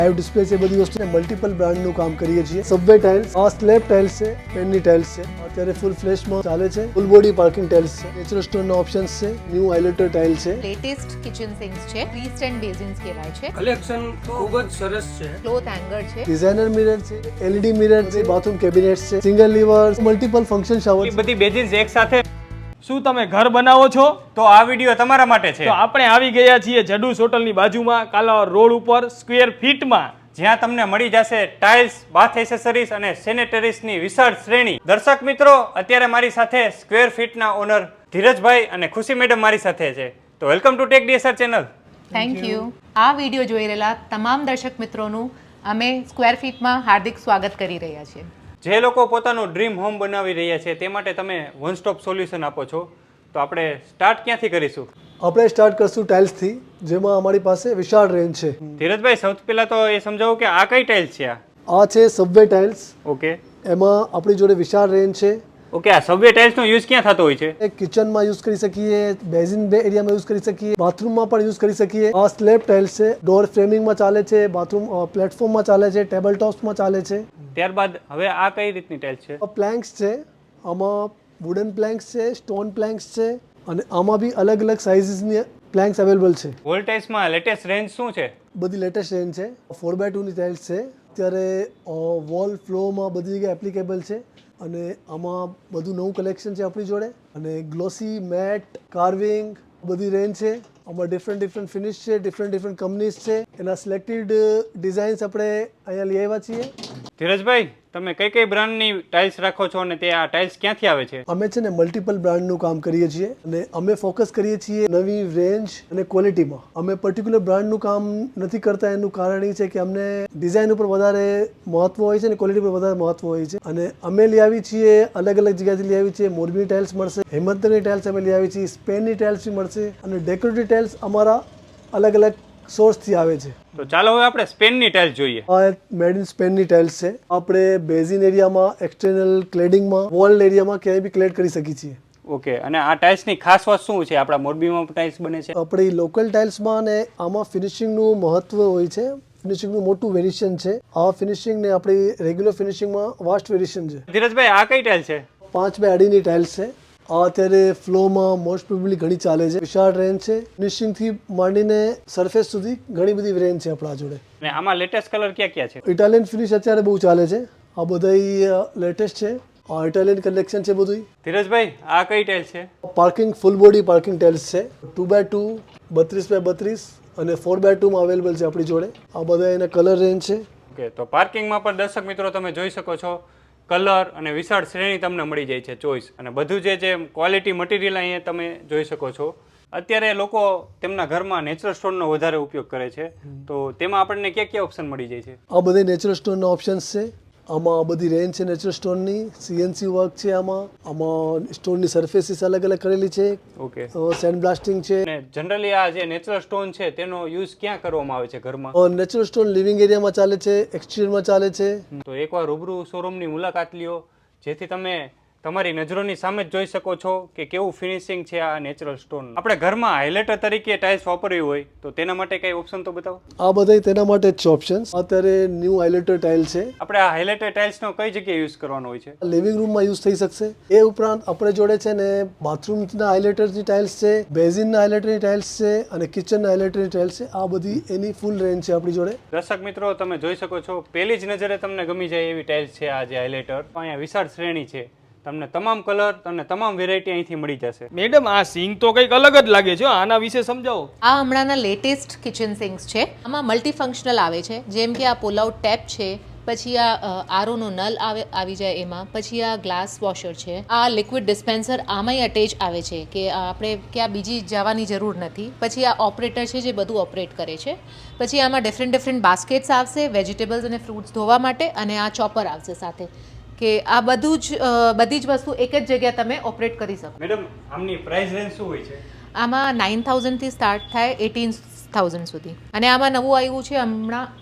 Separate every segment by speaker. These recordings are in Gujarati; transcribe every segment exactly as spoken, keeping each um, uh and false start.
Speaker 1: લાઈવ ડિસ્પ્લે છે, બધી વસ્તુ મલ્ટિપલ બ્રાન્ડનું કામ કરીએ છીએ. સબવે ટાઇલ્સ, આ સ્લેબ ટાઇલ્સ છે, પેનની ટાઇલ્સ છે, અત્યારે ફૂલ ફ્લેશમાં ચાલે છે. ફૂલ બોડી પાર્કિંગ ટાઇલ્સ છે, નેચરલ સ્ટોનના ઓપ્શન્સ છે, ન્યૂ હાઇલાઇટર ટાઇલ છે.
Speaker 2: લેટેસ્ટ કિચન સિંક્સ છે, ફ્રી સ્ટેન્ડ બેઝિન્સ કહેવાય છે.
Speaker 3: કલેક્શન ખૂબ જ સરસ છે.
Speaker 2: ક્લોથ હેંગર છે,
Speaker 1: ડિઝાઇનર મિરર છે, એલઈડી મિરર છે, બાથરૂમ કેબિનેટ્સ છે, single liver, multiple function shower.
Speaker 4: બધી બેઝિન્સ એક સાથે.
Speaker 5: શું તમે ઘર બનાવો છો?
Speaker 4: તો આ વિડીયો તમારા માટે છે.
Speaker 5: તો આપણે આવી ગયા છીએ જડુસ હોટલની બાજુમાં, કાલાવડ રોડ ઉપર, સ્ક્વેર ફીટમાં,
Speaker 4: જ્યાં તમને મળી જશે ટાઇલ્સ, બાથ એસેસરીઝ અને સેનેટરીઝની વિશાળ શ્રેણી. દર્શક મિત્રો, અત્યારે મારી સાથે સ્ક્વેર ફીટના ઓનર ધીરજભાઈ અને ખુશી મેડમ મારી સાથે છે. તો welcome to take DSR channel.
Speaker 2: Thank you. આ વિડીયો જોઈ રહેલા તમામ દર્શક મિત્રોનું અમે સ્ક્વેર ફીટમાં હાર્દિક સ્વાગત કરી રહ્યા છીએ.
Speaker 4: જે લોકો પોતાનું ડ્રીમ હોમ બનાવી રહ્યા છે તે માટે તમે વન સ્ટોપ સોલ્યુશન આપો છો. તો આપણે સ્ટાર્ટ ક્યાંથી કરીશું?
Speaker 1: આપણે સ્ટાર્ટ કરશું ટાઇલ્સથી, જેમાં અમારી પાસે વિશાળ રેન્જ છે.
Speaker 4: ધીરજભાઈ, સૌથી પહેલા તો એ સમજાવો કે આ કઈ ટાઇલ્સ છે?
Speaker 1: આ છે સબવે ટાઇલ્સ.
Speaker 4: ઓકે,
Speaker 1: એમાં આપણી જોડે વિશાળ રેન્જ છે.
Speaker 4: ઓકે, આ સબવે ટાઇલ્સનો યુઝ ક્યાં થતો હોય છે?
Speaker 1: કિચનમાં યુઝ કરી શકીએ, બેઝિન બે એરિયામાં યુઝ કરી શકીએ, બાથરૂમમાં પણ યુઝ કરી શકીએ. આ સ્લેબ ટાઇલ્સ છે, ડોર ફ્રેમિંગમાં ચાલે છે, બાથરૂમ પ્લેટફોર્મમાં ચાલે છે, ટેબલ ટોપ્સમાં ચાલે છે.
Speaker 4: ત્યારબાદ હવે આ કઈ રીતની ટાઇલ્સ છે?
Speaker 1: આ પ્લેન્ક્સ છે, આમાં વુડન પ્લેન્ક્સ છે, સ્ટોન પ્લેન્ક્સ છે, અને આમાં બી અલગ અલગ સાઇઝની પ્લેન્ક્સ અવેલેબલ છે.
Speaker 4: વોલ ટાઇલ્સમાં લેટેસ્ટ રેન્જ શું છે?
Speaker 1: બધી લેટેસ્ટ રેન્જ છે. ફોર બાય ટુની ટાઇલ્સ છે. અત્યારે વોલ ફ્લોરમાં બધી જગ્યાએ એપ્લિકેબલ છે, અને આમાં બધું નવું કલેક્શન છે આપણી જોડે. અને ગ્લોસી મેટ, કાર્વિંગ બધી રેન્જ છે. આમાં ડિફરન્ટ ડિફરન્ટ ફિનિશ છે, ડિફરન્ટ ડિફરન્ટ કંપનીઝ છે. એના સિલેક્ટેડ ડિઝાઇન્સ આપણે અહીંયા લઈ આવ્યા છીએ.
Speaker 4: ધીરજભાઈ, તમે કઈ કઈ બ્રાન્ડની ટાઇલ્સ રાખો છો અને તે આ ટાઇલ્સ ક્યાંથી આવે છે?
Speaker 1: અમે છે ને મલ્ટિપલ બ્રાન્ડનું કામ કરીએ છીએ, અને અમે ફોકસ કરીએ છીએ નવી રેન્જ અને ક્વોલિટીમાં. અમે પર્ટિક્યુલર બ્રાન્ડનું કામ નથી કરતા. એનું કારણ એ છે કે અમને ડિઝાઇન ઉપર વધારે મહત્વ હોય છે અને ક્વોલિટી પર વધારે મહત્વ હોય છે. અને અમે લઈ આવી છીએ, અલગ અલગ જગ્યાથી લઈ આવી છીએ. મોરબીની ટાઇલ્સ મળશે, હિંમતનગરની ટાઇલ્સ અમે લઈ આવી છીએ, સ્પેનની ટાઇલ્સ બી મળશે, અને ડેકોરેટિવ ટાઇલ્સ અમારા અલગ અલગ સોર્સથી આવે છે.
Speaker 4: તો ચાલો હવે આપણે સ્પેનની ટાઇલ્સ જોઈએ.
Speaker 1: આ મેડ ઇન સ્પેનની ટાઇલ્સ છે. આપણે બેઝિન એરિયામાં, એક્સટર્નલ ક્લેડિંગમાં, વોલ એરિયામાં ક્યાંય બી ક્લેડ કરી શકીએ છીએ.
Speaker 4: ઓકે, અને આ ટાઇલ્સની ખાસ વાત શું છે? આપણા મોરબીમાં ટાઇલ્સ બને છે.
Speaker 1: આપણી લોકલ ટાઇલ્સમાં અને આમાં ફિનિશિંગનું મહત્વ હોય છે. ફિનિશિંગનું મોટું વેરિએશન છે. આ ફિનિશિંગ ને આપણી રેગ્યુલર ફિનિશિંગમાં વાસ્ટ વેરિએશન છે.
Speaker 4: ધીરજભાઈ, આ કઈ ટાઇલ્સ છે?
Speaker 1: પાંચ બાય અઢીની ટાઇલ્સ છે. આ અત્યારે ફ્લોમાં મોસ્ટ પ્રોબેબલી ઘણી ચાલે છે. વિશાળ રેન્જ છે. ફિનિશિંગથી માંડીને સરફેસ સુધી ઘણી બધી રેન્જ છે આપણા જોડે.
Speaker 4: અને આમાં લેટેસ્ટ કલર ક્યાં ક્યાં છે?
Speaker 1: ઇટાલિયન ફિનિશ અત્યારે બહુ ચાલે છે. આ બધા લેટેસ્ટ છે. આ ઇટાલિયન કલેક્શન છે બધું.
Speaker 4: ધીરજભાઈ, આ કઈ ટાઇલ્સ છે?
Speaker 1: Parking full body parking tiles છે. ટુ બાય ટુ, બત્રીસ બાય બત્રીસ અને ફોર બાય ટુમાં અવેલેબલ છે આપણી જોડે. આ બધા એના કલર રેન્જ છે.
Speaker 4: ઓકે, તો પાર્કિંગમાં પણ દર્શક મિત્રો તમે જોઈ શકો છો, કલર અને વિશાળ શ્રેણી તમને મળી જાય છે, ચોઈસ. અને બધું જે જે ક્વોલિટી મટીરિયલ અહીંયા તમે જોઈ શકો છો. અત્યારે લોકો તેમના ઘરમાં નેચરલ સ્ટોનનો વધારે ઉપયોગ કરે છે, તો તેમાં આપણને ક્યાં ક્યાં ઓપ્શન મળી જાય છે? આ
Speaker 1: બધા નેચરલ સ્ટોનના ઓપ્શન્સ છે. આમાં બધી રેન્જ છે નેચરલ સ્ટોનની. સીએનસી વર્ક છે આમાં. આમાં સ્ટોનની સરફેસીસ અલગ અલગ કરેલી છે.
Speaker 4: ઓકે,
Speaker 1: સેન્ડ બ્લાસ્ટિંગ છે.
Speaker 4: અને જનરલી આ જે નેચરલ સ્ટોન છે તેનો યુઝ ક્યાં કરવામાં આવે છે ઘરમાં?
Speaker 1: નેચરલ સ્ટોન લિવિંગ એરિયામાં ચાલે છે, એક્સટિરિયરમાં ચાલે છે.
Speaker 4: તો એકવાર રૂબરૂ શોરૂમની મુલાકાત લ્યો, જેથી તમે તમારી નજરોની સામે જ જોઈ શકો છો કે કેવું ફિનિશિંગ છે આ નેચરલ સ્ટોન. આપણે ઘરમાં હાઇલાઇટર તરીકે ટાઇલ્સ વાપરવી હોય તો તેના માટે કઈ ઓપ્શન તો બતાવો.
Speaker 1: આ બધા તેના માટે જ ઓપ્શન્સ. અત્યારે ન્યૂ હાઇલાઇટર ટાઇલ છે.
Speaker 4: આપણે આ હાઇલાઇટર ટાઇલ્સનો કઈ જગ્યાએ યુઝ કરવાનો હોય છે?
Speaker 1: લિવિંગ રૂમમાં યુઝ થઈ શકશે. એ ઉપરાંત આપણે જોડે છે ને બાથરૂમના હાઇલાઇટરની ટાઇલ્સ છે, બેઝિનના હાઇલાઇટરની ટાઇલ્સ છે, અને કિચનના હાઇલાઇટરની ટાઇલ્સ છે. આ બધી એની ફૂલ રેન્જ છે આપણી જોડે.
Speaker 4: દર્શક મિત્રો, તમે જોઈ શકો છો, પહેલી જ નજરે તમને ગમી જાય એવી ટાઇલ્સ છે આ જે હાઇલાઇટર. અહીંયા વિશાળ શ્રેણી છે. તમને તમામ કલર અને તમામ વેરાયટી અહીંથી મળી જશે.
Speaker 5: મેડમ, આ સિંક તો કંઈક અલગ જ લાગે છે. આના વિશે સમજાવો.
Speaker 2: આ હમણાંના લેટેસ્ટ કિચન સિંક્સ છે. આમાં મલ્ટીફંક્શનલ આવે છે, જેમ કે આ પુલ આઉટ ટેપ છે, પછી આ આરઓનો નલ આવે આવી જાય એમાં, પછી આ ગ્લાસ વોશર છે, આ લિક્વિડ ડિસ્પેન્સર આમાંય અટેચ આવે છે કે આપણે ક્યાં બીજી જવાની જરૂર નથી. પછી આ ઓપરેટર છે જે બધું ઓપરેટ કરે છે. પછી આમાં ડિફરન્ટ ડિફરન્ટ બાસ્કેટ્સ આવશે વેજીટેબલ્સ અને ફ્રૂટ્સ ધોવા માટે, અને આ ચોપર આવશે સાથે, કે આ બધું જ બધી જ વસ્તુ એક જ જગ્યાએ તમે ઓપરેટ કરી શકો.
Speaker 4: મેડમ, આમની પ્રાઇસ રેન્જ શું હોય છે?
Speaker 2: આમાં નાઇન થાઉઝન્ડથી સ્ટાર્ટ થાય એટીન થાઉઝન્ડ સુધી. અને આમાં નવું આવ્યું છે હમણાં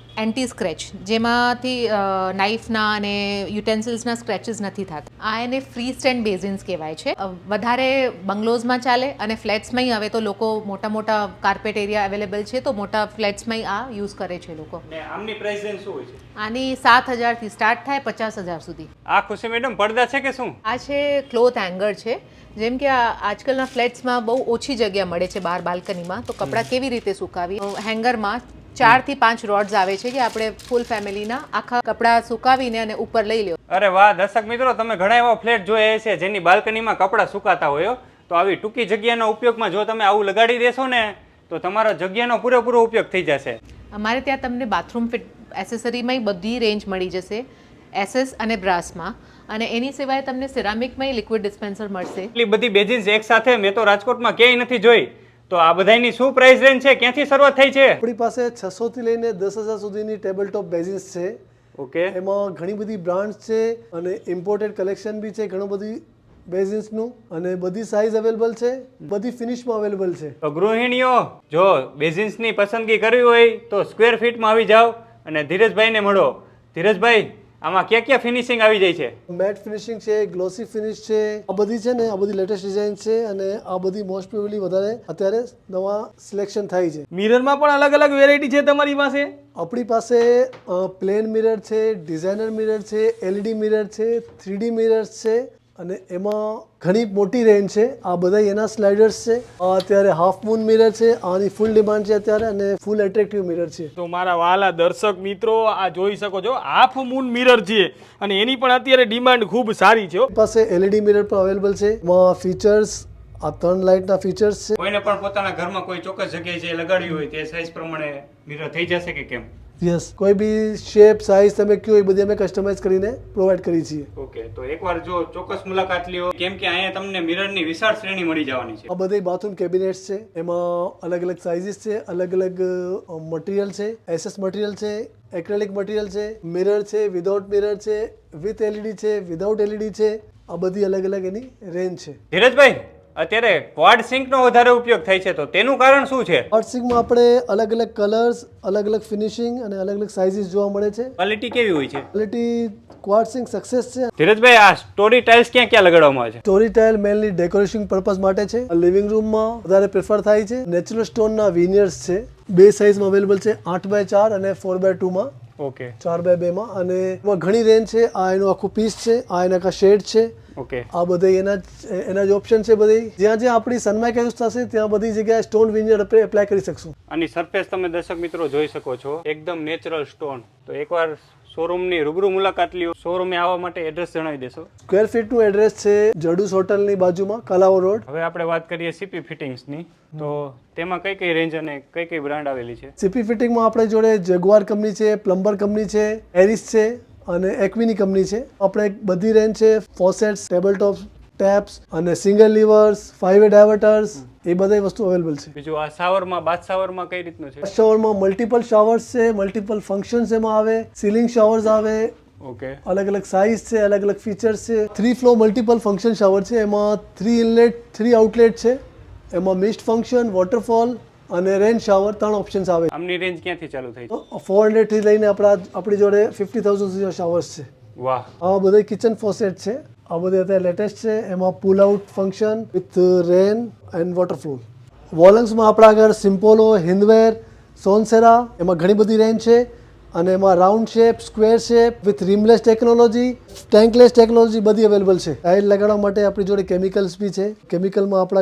Speaker 2: એન્ટી સ્ક્રેચ, જેમાંથી નાઇફના અને યુટેન્સિલ્સના સ્ક્રેચીસ નથી થતા. આ એને ફ્રી સ્ટેન્ડ બેઝિન્સ કહેવાય છે. અ, વધારે બંગલોઝમાં ચાલે અને ફ્લેટ્સમાં હવે તો લોકો મોટા મોટા કાર્પેટ એરિયા અવેલેબલ છે, તો મોટા ફ્લેટ્સમાં આ યુઝ કરે છે લોકો.
Speaker 4: ને આમની પ્રાઇસ રેન્જ શું હોય છે?
Speaker 2: આની સાત હજારથી સ્ટાર્ટ થાય પચાસ હજાર સુધી.
Speaker 4: આ ખુશી મેડમ પડદા છે કે શું?
Speaker 2: આ છે ક્લોથ હેંગર છે. જેમ કે આ આજકાલના ફ્લેટ્સમાં બહુ ઓછી જગ્યા મળે છે બહાર બાલ્કનીમાં, તો કપડાં કેવી રીતે સુકાવી? હેંગરમાં ચાર થી પાંચ રોડ્સ આવે છે કે આપણે ફૂલ ફેમિલીના આખા કપડાં સુકાવીને અને ઉપર લઈ લ્યો.
Speaker 4: અરે વાહ દર્શક મિત્રો, તમે ઘણા એવા ફ્લેટ જોયા છે જેની બાલ્કનીમાં કપડાં સુકાતા હોય, તો આવી ટૂંકી જગ્યાના ઉપયોગમાં જો તમે આવું લગાડી દેશો ને તો તમારો જગ્યાનો પૂરેપૂરો ઉપયોગ થઈ જશે.
Speaker 2: અમારે ત્યાં તમને બાથરૂમ ફિટ એસેસરીમાંય બધી રેન્જ મળી જશે, એસએસ અને બ્રાસમાં. અને એની સિવાય તમને સિરામિકમાંય લિક્વિડ ડિસ્પેન્સર મળશે.
Speaker 4: એટલી બધી બેઝિન્સ એક સાથે મેં તો રાજકોટમાં ક્યાંય નથી જોઈ. તો આ બધાની શું પ્રાઇસ રેન્જ છે, ક્યાંથી શરૂઆત થઈ છે?
Speaker 1: આપણી પાસે છસો થી લઈને દસ હજાર સુધીની ટેબલ ટોપ બેઝિન્સ છે.
Speaker 4: ઓકે,
Speaker 1: એમાં ઘણી બધી બ્રાન્ડ્સ છે અને ઇમ્પોર્ટેડ કલેક્શન બી છે ઘણું બધી બેઝિન્સનું, અને બધી સાઇઝ અવેલેબલ છે, બધી ફિનિશમાં અવેલેબલ છે.
Speaker 4: તો ગૃહિણીઓ જો બેઝિન્સની પસંદગી કરવી હોય તો સ્ક્વેર ફીટમાં આવી જાઓ અને ધીરજભાઈને મળો. ધીરજભાઈ, આમાં ક્યાં ક્યાં ફિનિશિંગ આવી જાય છે?
Speaker 1: મેટ ફિનિશિંગ છે, ગ્લોસી ફિનિશ છે, આ બધી છે ને, આ બધી લેટેસ્ટ ડિઝાઇન છે અને આ બધી મોસ્ટ પ્રોબેબલી વધારે અત્યારે નવા સિલેક્શન થાય છે.
Speaker 5: મિરરમાં પણ અલગ અલગ વેરાયટી છે તમારી પાસે?
Speaker 1: આપણી પાસે પ્લેન મિરર છે, ડિઝાઇનર મિરર છે, એલઈડી મિરર છે, થ્રીડી મિરર્સ છે, અને એમાં ઘણી મોટી રેન્જ છે. આ બધા એના સ્લાઇડર્સ છે. આ અત્યારે હાફ મૂન મિરર છે, આની ફૂલ ડિમાન્ડ છે અત્યારે, અને ફૂલ એટ્રેક્ટિવ મિરર છે.
Speaker 5: તો મારા વાલા દર્શક મિત્રો, આ જોઈ શકો છો હાફ મૂન મિરર છે અને એની પણ અત્યારે ડિમાન્ડ ખૂબ સારી છે.
Speaker 1: આપણી પાસે એલઈડી મિરર પણ અવેલેબલ છે. એમાં ફીચર્સ, આ ત્રણ લાઇટના ફીચર્સ છે.
Speaker 4: કોઈને પણ પોતાના ઘરમાં કોઈ ચોક્કસ જગ્યાએ જે લગાડ્યું હોય તે સાઇઝ પ્રમાણે મિરર થઈ જશે કે કેમ?
Speaker 1: યસ, કોઈ બી શેપ સાઇઝ તમે કયો એ બધી અમે કસ્ટમાઇઝ કરીને પ્રોવાઈડ કરી છીએ.
Speaker 4: ઓકે, તો એકવાર જો ચોક્કસ મુલાકાત લ્યો, કેમ કે અહીંયા તમને મિરરની વિશાળ શ્રેણી મળી જવાની છે.
Speaker 1: આ બધી બાથરૂમ કેબિનેટ્સ છે, એમાં અલગ અલગ સાઇઝીસ છે, અલગ અલગ મટીરિયલ છે, એસએસ મટીરિયલ છે, એક્રેલિક મટીરિયલ છે, મિરર છે, વિધાઉટ મિરર છે, વિથ એલઈડી છે, વિધાઉટ એલઈડી છે. આ બધી અલગ અલગ એની રેન્જ છે.
Speaker 4: ધીરજભાઈ, અત્યારે ક્વાડ સિંકનો વધારે ઉપયોગ થાય છે, તો તેનું કારણ શું છે?
Speaker 1: ક્વાડ સિંકમાં આપણે અલગ અલગ કલર્સ, અલગ અલગ ફિનિશિંગ અને અલગ અલગ સાઇઝીસ જોવા મળે છે.
Speaker 4: ક્વોલિટી કેવી હોય છે?
Speaker 1: ક્વોલિટી ક્વાડ સિંક સક્સેસ છે.
Speaker 4: ધીરજભાઈ, આ સ્ટોરી ટાઇલ્સ ક્યાં ક્યાં લગાડવામાં આવે છે?
Speaker 1: Story tile mainly decoration purpose માટે છે. લિવિંગ રૂમમાં વધારે પ્રેફર થાય છે. નેચરલ સ્ટોનના વિનિયર્સ છે, બે સાઇઝમાં અવેલેબલ છે, આઠ બાય ચાર અને ફોર બાય ટુમાં,
Speaker 4: ઓકે,
Speaker 1: ચાર બાય બે માં, અને એમાં ઘણી રેન્જ છે. આ એનું આખું પીસ છે, આ એના કા શેડ છે.
Speaker 4: ઓકે,
Speaker 1: આ બધા એના જ એના જ ઓપ્શન છે. બધી જ્યાં જ્યાં આપણી સનમાઇક યુઝ થશે ત્યાં બધી જગ્યાએ સ્ટોન વિનિયર આપણે એપ્લાય કરી શકશું.
Speaker 4: આની સરફેસ તમે દર્શક મિત્રો જોઈ શકો છો, એકદમ નેચરલ સ્ટોન. તો એકવાર શોરૂમની રૂબરૂ મુલાકાત લ્યો. શોરૂમે આવવા માટે એડ્રેસ જણાવી દેશો.
Speaker 1: સ્ક્વેર ફીટનું એડ્રેસ છે જડુસ હોટલની બાજુમાં, કલાવો રોડ.
Speaker 4: હવે આપણે વાત કરીએ સીપી ફિટિંગ્સની, તો તેમાં કઈ કઈ રેન્જ અને કઈ કઈ બ્રાન્ડ આવેલી છે?
Speaker 1: સીપી ફિટિંગમાં આપણે જોડે જેગુઆર કંપની છે, પ્લમ્બર કંપની છે, એરિસ છે અને એકવીની કંપની છે. આપણે બધી રેન્જ છે, ફોસેટ્સ, ટેબલ ટોપ્સ, ટેપ્સ અને single levers, five way diverters, એ બધી વસ્તુ અવેલેબલ છે.
Speaker 4: બીજું આ શાવરમાં, બાથ શાવરમાં કઈ રીતનું છે?
Speaker 1: શાવરમાં મલ્ટિપલ શાવર્સ છે, મલ્ટિપલ ફંક્શન્સ એમાં આવે, સીલિંગ શાવર્સ આવે,
Speaker 4: ઓકે,
Speaker 1: અલગ અલગ સાઇઝ છે, અલગ અલગ ફીચર્સ છે. Three flow multiple function shower છે. એમાં થ્રી ઇનલેટ, થ્રી આઉટલેટ છે. એમાં મિસ્ટ ફંક્શન, વોટરફોલ અને રેન શાવર ત્રણ ઓપ્શન્સ આવે.
Speaker 4: આમની રેન્જ ક્યાંથી ચાલુ થઈ છે?
Speaker 1: ફોર હંડ્રેડ થી લઈને આપણા આપણી જોડે ફિફ્ટી થાઉઝન્ડ સુધી શાવર્સ છે.
Speaker 4: વાહ,
Speaker 1: આ બધા કિચન ફોસેટ છે. આ બધા અત્યારે લેટેસ્ટ છે. એમાં pull out function with rain and water flow. વોલન્સમાં આપણા આગળ સિમ્પોલો, હિન્દવેર, સોનસેરા, એમાં ઘણી બધી રેન્જ છે. અને એમાં round shape, square shape with rimless technology, tankless technology બધી અવેલેબલ છે. ટાઇલ લગાડવા માટે આપણી જોડે કેમિકલ્સ બી છે. કેમિકલમાં આપણા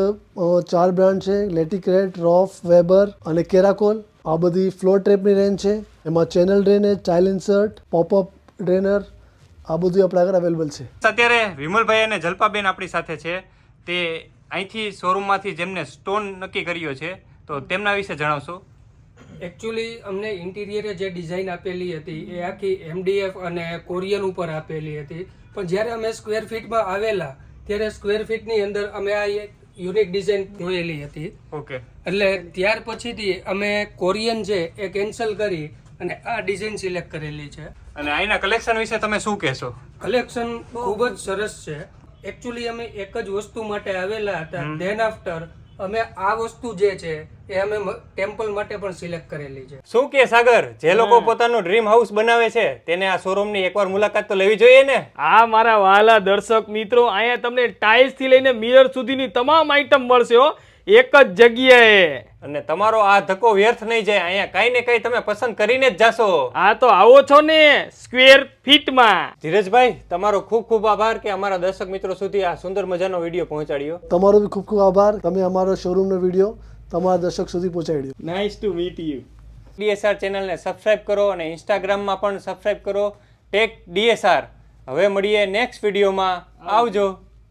Speaker 1: આગળ ચાર બ્રાન્ડ છે, લેટિક્રેટ, રોફ, વેબર અને કેરાકોલ. આ બધી ફ્લોર ટ્રેપની રેન્જ છે. એમાં channel drainage, tile insert, pop up drainer, આ બધું આપણા આગળ અવેલેબલ છે.
Speaker 4: અત્યારે વિમલભાઈ અને જલ્પાબેન આપણી સાથે છે. તે અહીંથી શોરૂમમાંથી જેમને સ્ટોન નક્કી કર્યો છે, તો તેમના વિશે જણાવશો.
Speaker 3: એકચ્યુઅલી અમને ઇન્ટિરિયરે જે ડિઝાઇન આપેલી હતી એ આખી એમડીએફ અને કોરિયન ઉપર આપેલી હતી, પણ જ્યારે અમે સ્ક્વેર ફીટમાં આવેલા ત્યારે સ્ક્વેર ફીટની અંદર અમે આ એક યુનિક ડિઝાઇન જોયેલી હતી.
Speaker 4: ઓકે,
Speaker 3: એટલે ત્યાર પછીથી અમે કોરિયન છે એ કેન્સલ કરી અને આ ડિઝાઇન સિલેક્ટ કરેલી છે.
Speaker 4: અને અહીંના કલેક્શન વિશે તમે શું કહેશો?
Speaker 3: કલેક્શન ખૂબ જ સરસ છે. એકચ્યુઅલી અમે એક જ વસ્તુ માટે આવેલા હતા, ધેન આફ્ટર અમે આ વસ્તુ જે છે એ અમે ટેમ્પલ માટે પણ સિલેક્ટ કરેલી છે.
Speaker 4: શું કે સાગર, જે લોકો પોતાનું ડ્રીમ હાઉસ બનાવે છે તેને આ શોરૂમની એકવાર મુલાકાત તો લેવી જોઈએ ને?
Speaker 5: આ મારા વહાલા દર્શક મિત્રો, અહીંયા તમને ટાઇલ્સ થી લઈને મિરર સુધીની તમામ આઈટમ મળશે હો, એક જ જગ્યાએ.
Speaker 4: અને તમારો આ ધક્કો વ્યર્થ નહીં જાય, અહીંયા કઈ ને કઈ તમે પસંદ કરીને જ જાશો.
Speaker 5: આ તો આવો છો ને સ્ક્વેર ફીટમાં.
Speaker 4: ધીરજભાઈ, તમારો ખૂબ ખૂબ આભાર કે અમારા દર્શક મિત્રો સુધી આ સુંદર મજાનો વિડીયો પહોંચાડ્યો.
Speaker 1: તમારો બી ખૂબ ખૂબ આભાર, તમે અમારો શોરૂમનો વિડીયો તમારા દર્શક સુધી પહોંચાડ્યો.
Speaker 5: Nice to meet you.
Speaker 4: DSR ચેનલને સબસ્ક્રાઇબ કરો અને ઇન્સ્ટાગ્રામમાં પણ સબસ્ક્રાઇબ કરો, ટેક ડીએસઆર. હવે મળીએ નેક્સ્ટ વિડીયોમાં. આવજો.